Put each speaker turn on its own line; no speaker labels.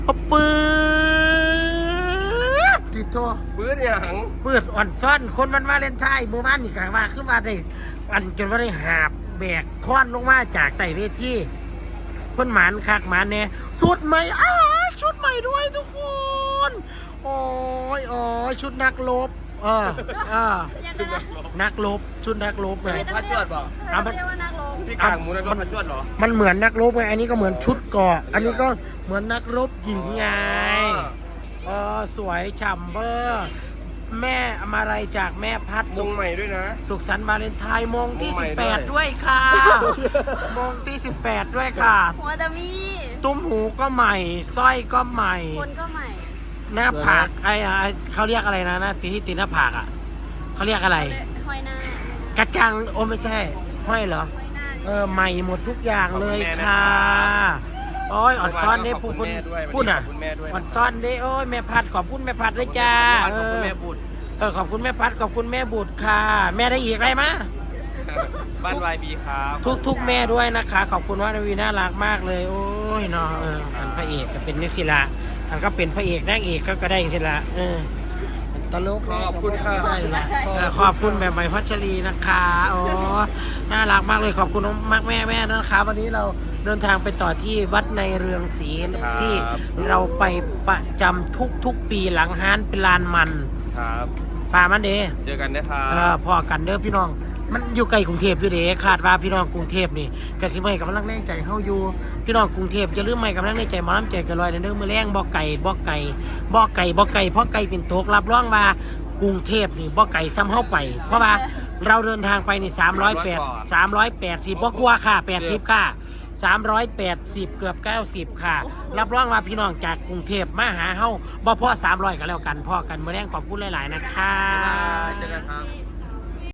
ปืดจิตโต
ปืนอย่าง
ปืดอ่อนซ่อนคนมันมาเล่นไทยมือบ้านนี่กลางว่าคือว่าได้อันจนว่าได้หาบแบกค้อนลงมาจากไต่เวทีคนหมานคักหมานเนี่ยสุดใหม่ชุดใหม่ด้วยทุกคนโอ้ยชุดนักรบนักรบชุดนักรบไง
พัดจวดบอก
เรียกว่านักลง
ที่กลางหมูนั่นก็พัดจวดเหรอ
มันเหมือนนักรบไงอันนี้ก็เหมือนชุดเกาะอันนี้ก็เหมือนนักรบหญิงไงสวยฉ่ำเบอร์แม่มาลัยจากแม่พัด
มงใหม่ด้วยนะ
สุขสันต์วาเลนไทน์โมงที่
มงใหม่ด้วย
18ด้วยค่ะโมงที่18ด้วยค่ะ
หัวดามี
ตุ้มหูก็ใหม่สร้อยก็ใหม่
คนก็ใหม่
หน้าผากไอ้เขาเรียกอะไรนะที่ตีหน้าผากอ่ะเขาเรียกอะไร
ห้อยหน้าก
ระจังโอ้ไม่ใช่ห้อยเหรอ
ห้อยหน้า
ใหม่หมดทุกอย่างเลยค่ะโอ้ยอ่อนซ้อนเด้พูดอ่ะอ่อนซ้อนเด้โอ้ยแม่พัดขอบคุณแม่พัดด้วยจ้า
ขอบคุณแม่บุตร
ขอบคุณแม่พัดขอบคุณแม่บุตรค่ะ แม่ได้อีกอะไรมะ
บ้านวายบีครับ
ทุกแม่ด้วยนะคะ ขอบคุณว่านาวีน่ารักมากเลยโอ้ยเนาะอันพระเอกก็เป็นนักศิลาอันก็เป็นพระเอกนางเอกก็ได้ศิลาตลก
ขอบคุณค่ะ
ได้ละขอบคุณแบบใหม่พัชรีนะคะโอ้น่ารักมากเลยขอบคุณมากแม่นะคะวันนี้เราเดินทางไปต่อที่วัดในเรืองศรีที่เราไปประจำทุกปีหลังฮานเป็นลานมัน
ครับ
ปามันเด้
เจอกันนะครับ
พอกันเด้อพี่น้องมันอยู่ไกลกรุงเทพอยู่เด้คาดว่าพี่น้องกรุงเทพนี่กสิไม่กำลังแรงใจเฮาอยู่พี่น้องกรุงเทพจะลืมไม่กำลังแรงใจหมอลำใจกันลอยเด้อมื้อแรงบ่ไก่เพราะไก่เป็นตกรับรองว่ากรุงเทพนี่บ่ไก่ซ้ำเฮาไปเพราะว่าเราเดินทางไปนี่380บ่กลัวค่ะ80ค่ะ380เกือบ90ค่ะรับรองว่าพี่น้องจากกรุงเทพมาหาเฮาบ่พอ300ก็แล้วกันพอกันมื้อแรงขอบคุณหลายๆนะคะ